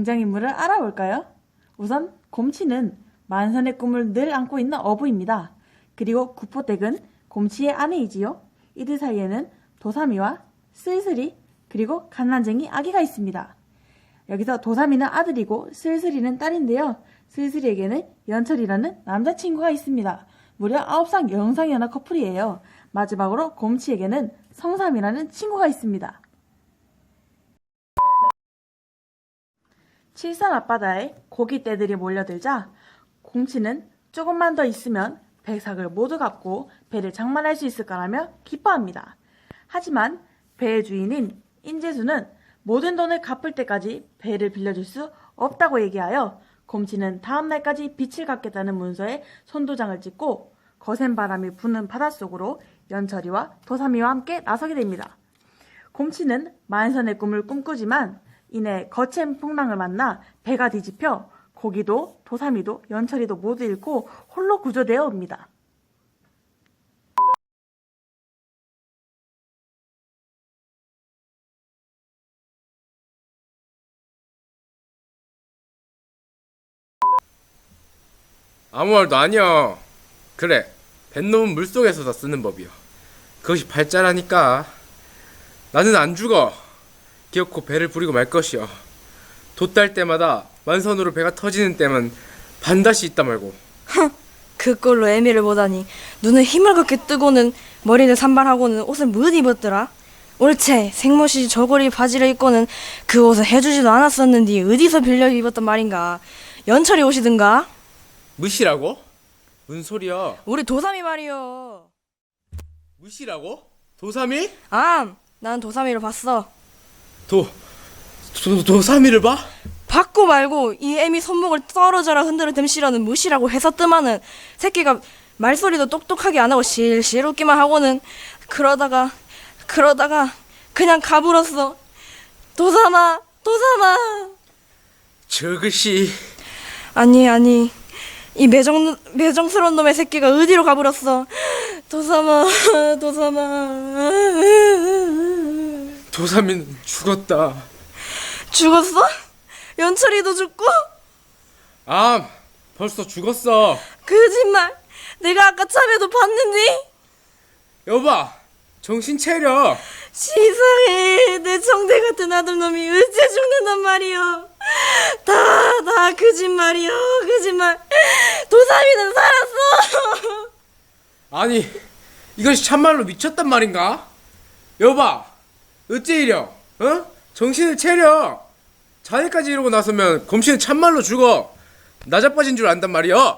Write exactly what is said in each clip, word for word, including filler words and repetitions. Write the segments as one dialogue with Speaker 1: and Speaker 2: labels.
Speaker 1: 등장인물을 알아볼까요? 우선 곰치는 만선의 꿈을 늘 안고 있는 어부입니다. 그리고 구포댁은 곰치의 아내이지요. 이들 사이에는 도삼이와 쓸쓸이 그리고 갓난쟁이 아기가 있습니다. 여기서 도삼이는 아들이고 쓸쓸이는 딸인데요. 쓸쓸이에게는 연철이라는 남자친구가 있습니다. 무려 아홉 살 영상연하 커플이에요. 마지막으로 곰치에게는 성삼이라는 친구가 있습니다. 칠산 앞바다에 고깃떼들이 몰려들자 곰치는 조금만 더 있으면 백삭을 모두 갚고 배를 장만할 수 있을 거라며 기뻐합니다. 하지만 배의 주인인 인재수는 모든 돈을 갚을 때까지 배를 빌려줄 수 없다고 얘기하여 곰치는 다음 날까지 빚을 갚겠다는 문서에 손도장을 찍고 거센 바람이 부는 바닷속으로 연철이와 도삼이와 함께 나서게 됩니다. 곰치는 만선의 꿈을 꿈꾸지만 이내 거센 풍랑을 만나 배가 뒤집혀 고기도 도삼이도 연철이도 모두 잃고 홀로 구조되어 옵니다.
Speaker 2: 아무 말도 아니야. 그래, 뱃놈은 물속에서 다 쓰는 법이야. 그것이 발자라니까. 나는 안 죽어. 기어코 배를 부리고 말 것이야. 돛달 때마다 만선으로 배가 터지는 때만 반드시 있다 말고.
Speaker 3: 그꼴로 애미를 보다니. 눈을 힘을 그렇게 뜨고는 머리를 산발하고는 옷을 못 입었더라. 옳체, 생모시 저고리 바지를 입고는 그 옷을 해주지도 않았었는데 어디서 빌려 입었단 말인가. 연철이 옷이든가.
Speaker 2: 무시라고? 무슨 소리야?
Speaker 3: 우리 도삼이 말이요.
Speaker 2: 무시라고? 도삼이?
Speaker 3: 아, 난 도삼이를 봤어.
Speaker 2: 도, 도, 도삼이를 봐?
Speaker 3: 받고 말고 이 애미 손목을 떨어져라 흔들어 댐시라는 무시라고 해서 뜸하는 새끼가 말소리도 똑똑하게 안 하고 실실 웃기만 하고는 그러다가 그러다가 그냥 가불었어. 도삼아, 도삼아.
Speaker 2: 저것이...
Speaker 3: 아니 아니 이 매정 매정스러운 놈의 새끼가 어디로 가불었어. 도삼아, 도삼아.
Speaker 2: 도삼이는 죽었다.
Speaker 3: 죽었어? 연철이도 죽고?
Speaker 2: 암, 벌써 죽었어.
Speaker 3: 거짓말. 내가 아까 참외도 봤는데.
Speaker 2: 여봐, 정신 차려.
Speaker 3: 세상에, 내 정대 같은 아들놈이 어째 죽는단 말이여. 다, 다 거짓말이여, 거짓말. 도삼이는 살았어.
Speaker 2: 아니, 이것이 참말로 미쳤단 말인가? 여봐, 어째 이려? 어? 정신을 차려. 자네까지 이러고 나서면 검씨는 참말로 죽어. 나자빠진 줄 안단 말이야.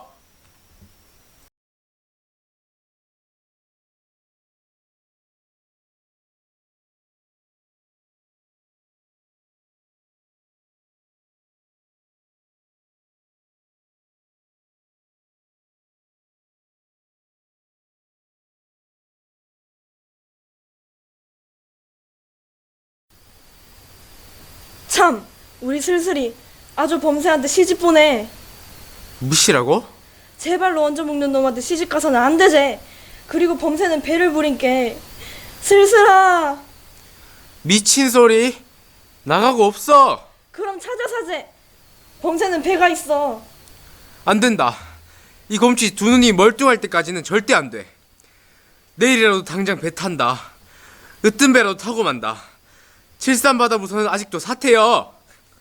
Speaker 3: 참, 우리 슬슬이 아주 범세한테 시집 보내.
Speaker 2: 무시라고?
Speaker 3: 제발로 얹어 먹는 놈한테 시집 가서는 안 되제. 그리고 범세는 배를 부린게. 슬슬아.
Speaker 2: 미친 소리. 나가고 없어.
Speaker 3: 그럼 찾아 사제. 범세는 배가 있어.
Speaker 2: 안 된다. 이 검씨 두 눈이 멀뚱할 때까지는 절대 안 돼. 내일이라도 당장 배 탄다. 으뜸 배라도 타고 만다. 칠산바다 부서는 아직도 사태여.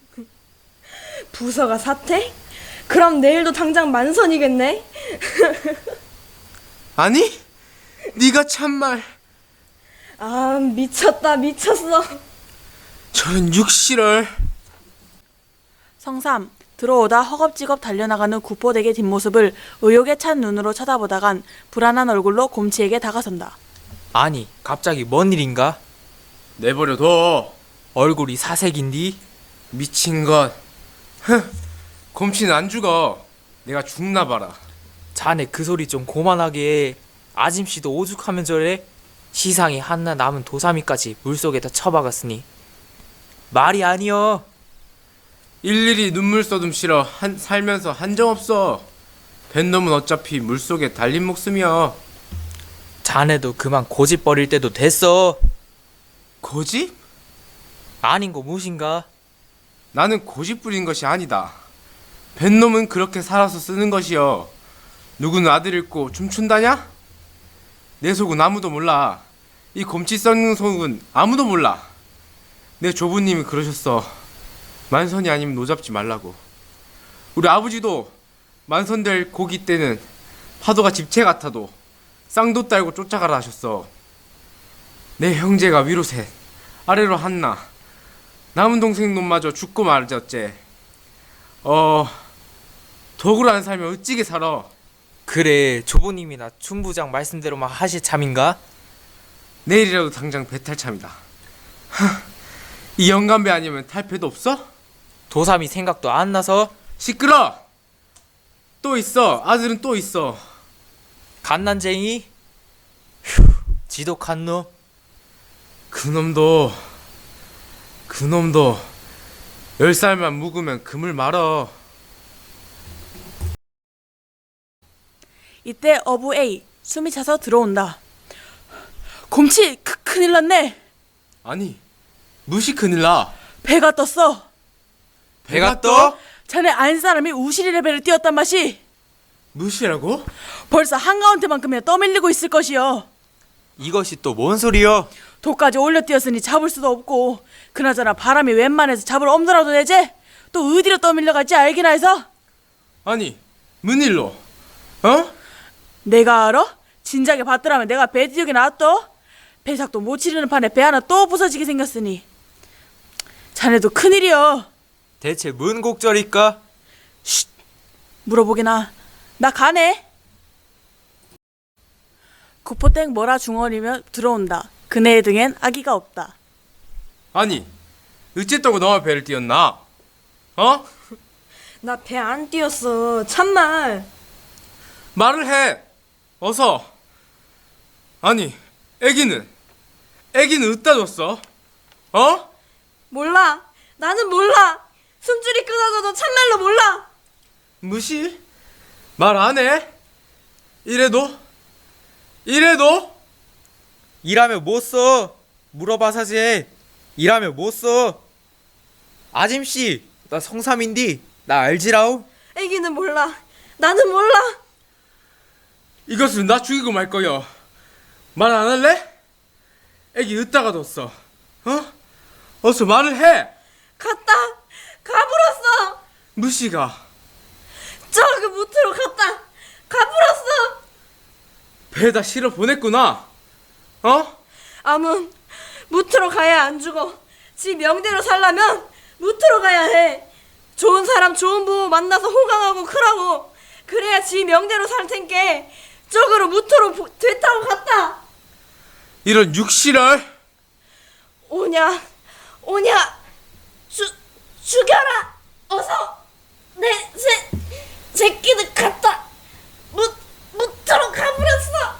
Speaker 3: 부서가 사태? 그럼 내일도 당장 만선이겠네?
Speaker 2: 아니? 네가 참말.
Speaker 3: 아, 미쳤다, 미쳤어.
Speaker 2: 저런 육실을.
Speaker 1: 성삼, 들어오다 허겁지겁 달려나가는 구포댁의 뒷모습을 의욕에 찬 눈으로 쳐다보다간 불안한 얼굴로 곰치에게 다가선다.
Speaker 4: 아니, 갑자기 뭔 일인가?
Speaker 2: 내버려둬.
Speaker 4: 얼굴이 사색인디?
Speaker 2: 미친 것. 흥, 곰치는 안 죽어. 내가 죽나 봐라.
Speaker 4: 자네 그 소리 좀 고만하게 해. 아짐씨도 오죽하면 저래? 시상이 한나 남은 도삼이까지 물속에다 처박았으니 말이 아니여.
Speaker 2: 일일이 눈물 써둠 싫어. 한, 살면서 한정없어. 뱃놈은 어차피 물속에 달린 목숨이야.
Speaker 4: 자네도 그만 고집 버릴 때도 됐어.
Speaker 2: 고집?
Speaker 4: 아닌 거 무엇인가?
Speaker 2: 나는 고집 부린 것이 아니다. 뱃놈은 그렇게 살아서 쓰는 것이여. 누구는 아들 잃고 춤춘다냐? 내 속은 아무도 몰라. 이 곰치 썩는 속은 아무도 몰라. 내 조부님이 그러셨어. 만선이 아니면 노잡지 말라고. 우리 아버지도 만선될 고기 때는 파도가 집채 같아도 쌍도 딸고 쫓아가라 하셨어. 내 형제가 위로 셋, 아래로 한나. 남은 동생 놈마저 죽고 말았제. 어... 도구로 안 살면 어찌게 살아.
Speaker 4: 그래, 조부님이나 춘부장 말씀대로만 하실 참인가?
Speaker 2: 내일이라도 당장 배탈참이다. 하, 이 영감배 아니면 탈패도 없어?
Speaker 4: 도삼이 생각도 안 나서
Speaker 2: 시끄러! 또 있어. 아들은 또 있어.
Speaker 4: 갓난쟁이? 휴, 지독한 놈.
Speaker 2: 그놈도 그놈도 열 살만 묵으면 금을 말어.
Speaker 1: 이때 어부 A 숨이 차서 들어온다. 곰치 크, 큰일 났네.
Speaker 2: 아니 무시 큰일나.
Speaker 1: 배가 떴어.
Speaker 2: 배가 떠?
Speaker 1: 자네 안 사람이 우시리의 배를 띄웠단 맛이.
Speaker 2: 무시라고?
Speaker 1: 벌써 한가운데만큼이나 떠밀리고 있을 것이여.
Speaker 4: 이것이 또 뭔 소리여?
Speaker 1: 도까지 올려 띄었으니 잡을 수도 없고, 그나저나 바람이 웬만해서 잡을 엄두라도 내제? 또 어디로 떠밀려갈지 알기나 해서.
Speaker 2: 아니 문일로? 어?
Speaker 1: 내가 알아? 진작에 봤더라면 내가 배 뒤역에 나왔더. 배삭도 못 치르는 판에 배 하나 또 부서지게 생겼으니 자네도 큰일이여.
Speaker 4: 대체 뭔 곡절일까?
Speaker 1: 물어보기나. 나 가네. 구포땡 뭐라 중얼이며 들어온다. 그네의 등엔 아기가 없다.
Speaker 2: 아니 어쨌다고 너만 배를 띄웠나? 어?
Speaker 3: 나 배 안 띄었어. 참말.
Speaker 2: 말을 해. 어서. 아니 애기는 애기는 어디다 줬어? 어?
Speaker 3: 몰라. 나는 몰라. 숨줄이 끊어져도 참말로 몰라.
Speaker 2: 무시? 말 안 해? 이래도? 이래도?
Speaker 4: 일하면 못 써. 물어봐 사제. 일하면 못 써. 아짐씨, 나 성삼인디. 나 알지라우.
Speaker 3: 애기는 몰라. 나는 몰라.
Speaker 2: 이것은 나 죽이고 말 거여. 말 안 할래? 애기 어디다가 뒀어? 어? 어서 말을 해.
Speaker 3: 갔다. 가불었어.
Speaker 2: 무시가
Speaker 3: 저그 무트로 갔다. 가불었어.
Speaker 2: 배에다 실어 보냈구나. 어?
Speaker 3: 아문, 무트로 가야 안 죽어. 지 명대로 살려면 무트로 가야 해. 좋은 사람 좋은 부모 만나서 호강하고 크라고. 그래야 지 명대로 살 텐께 쪽으로 무트로 보- 되타고 갔다.
Speaker 2: 이런 육실을.
Speaker 3: 오냐 오냐 죽 죽여라. 어서 내 새 새끼들 갔다. 무 무트로 가버렸어.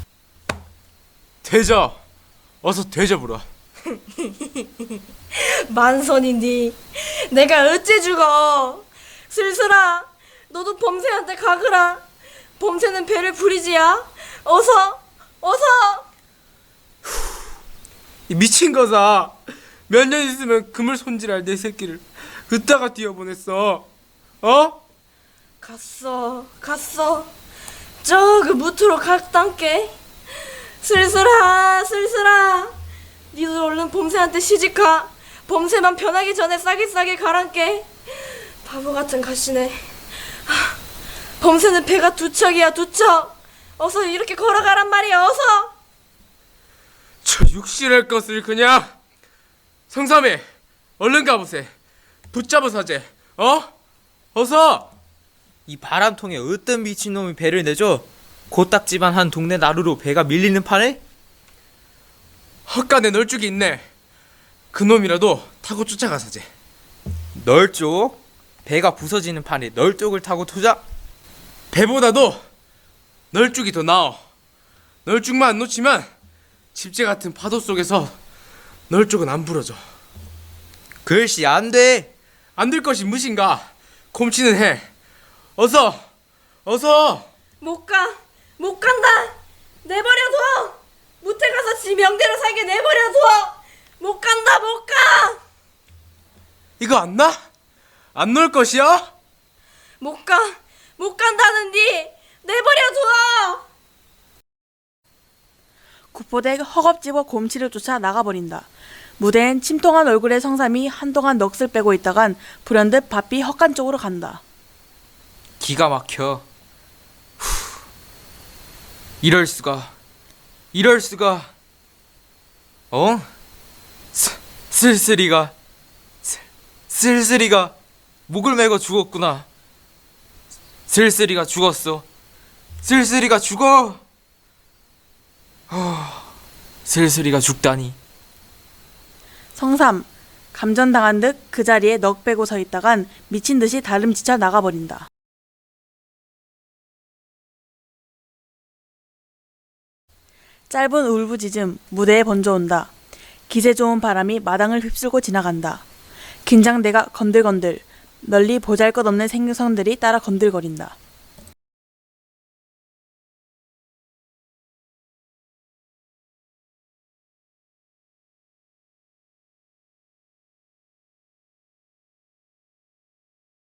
Speaker 2: 되져. 어서 되져부라.
Speaker 3: 만선이니 내가 어째 죽어. 슬슬아 너도 범새한테 가거라. 범새는 배를 부리지야. 어서 어서.
Speaker 2: 이 미친 거사. 몇 년 있으면 금을 손질할 내 새끼를 그따가 뛰어보냈어. 어?
Speaker 3: 갔어 갔어. 저그 무트로 갔단께. 슬슬아 슬슬아 니들 얼른 범새한테 시집가. 범새만 변하기 전에 싸게 싸게 가란께. 바보 같은 가시네. 하, 범새는 배가 두 척이야 두 척. 어서 이렇게 걸어가란 말이야. 어서.
Speaker 2: 저 육실할 것을 그냥. 성삼해 얼른 가보세. 붙잡아 사제. 어? 어서.
Speaker 4: 이 바람통에 어떤 미친놈이 배를 내줘? 고딱지만 한 동네 나루로 배가 밀리는 판에?
Speaker 2: 헛간에 널쭉이 있네. 그놈이라도 타고 쫓아가 사제.
Speaker 4: 널 쪽? 배가 부서지는 판에 널 쪽을 타고 투자?
Speaker 2: 배보다도 널쭉이 더 나아. 널쭉만 안 놓치면 집재 같은 파도 속에서 널쭉은 안 부러져.
Speaker 4: 글씨 안 돼.
Speaker 2: 안 될 것이 무신가. 곰치는 해. 어서. 어서.
Speaker 3: 못 가. 못 간다. 내버려둬. 무태 가서 지 명대로 살게 내버려둬. 못 간다 못 가.
Speaker 2: 이거 안 나? 안 놀 것이야?
Speaker 3: 못 가, 못 간다는디. 내버려 둬.
Speaker 1: 구포대 허겁지겁 곰치를 쫓아 나가버린다. 무대엔 침통한 얼굴의 성삼이 한동안 넋을 빼고 있다간 불현듯 바삐 헛간 쪽으로 간다.
Speaker 4: 기가 막혀. 후. 이럴 수가. 이럴 수가. 어? 스, 쓸쓸이가 쓸, 쓸쓸이가 목을 메고 죽었구나. 쓸쓸이가 죽었어. 쓸쓸이가 죽어. 어, 쓸쓸이가 죽다니.
Speaker 1: 성삼, 감전당한 듯 그 자리에 넋 빼고 서 있다간 미친 듯이 다름지쳐 나가버린다. 짧은 울부짖음 무대에 번져온다. 기세 좋은 바람이 마당을 휩쓸고 지나간다. 긴장대가 건들건들, 널리 보잘것없는 생성들이 따라 건들거린다.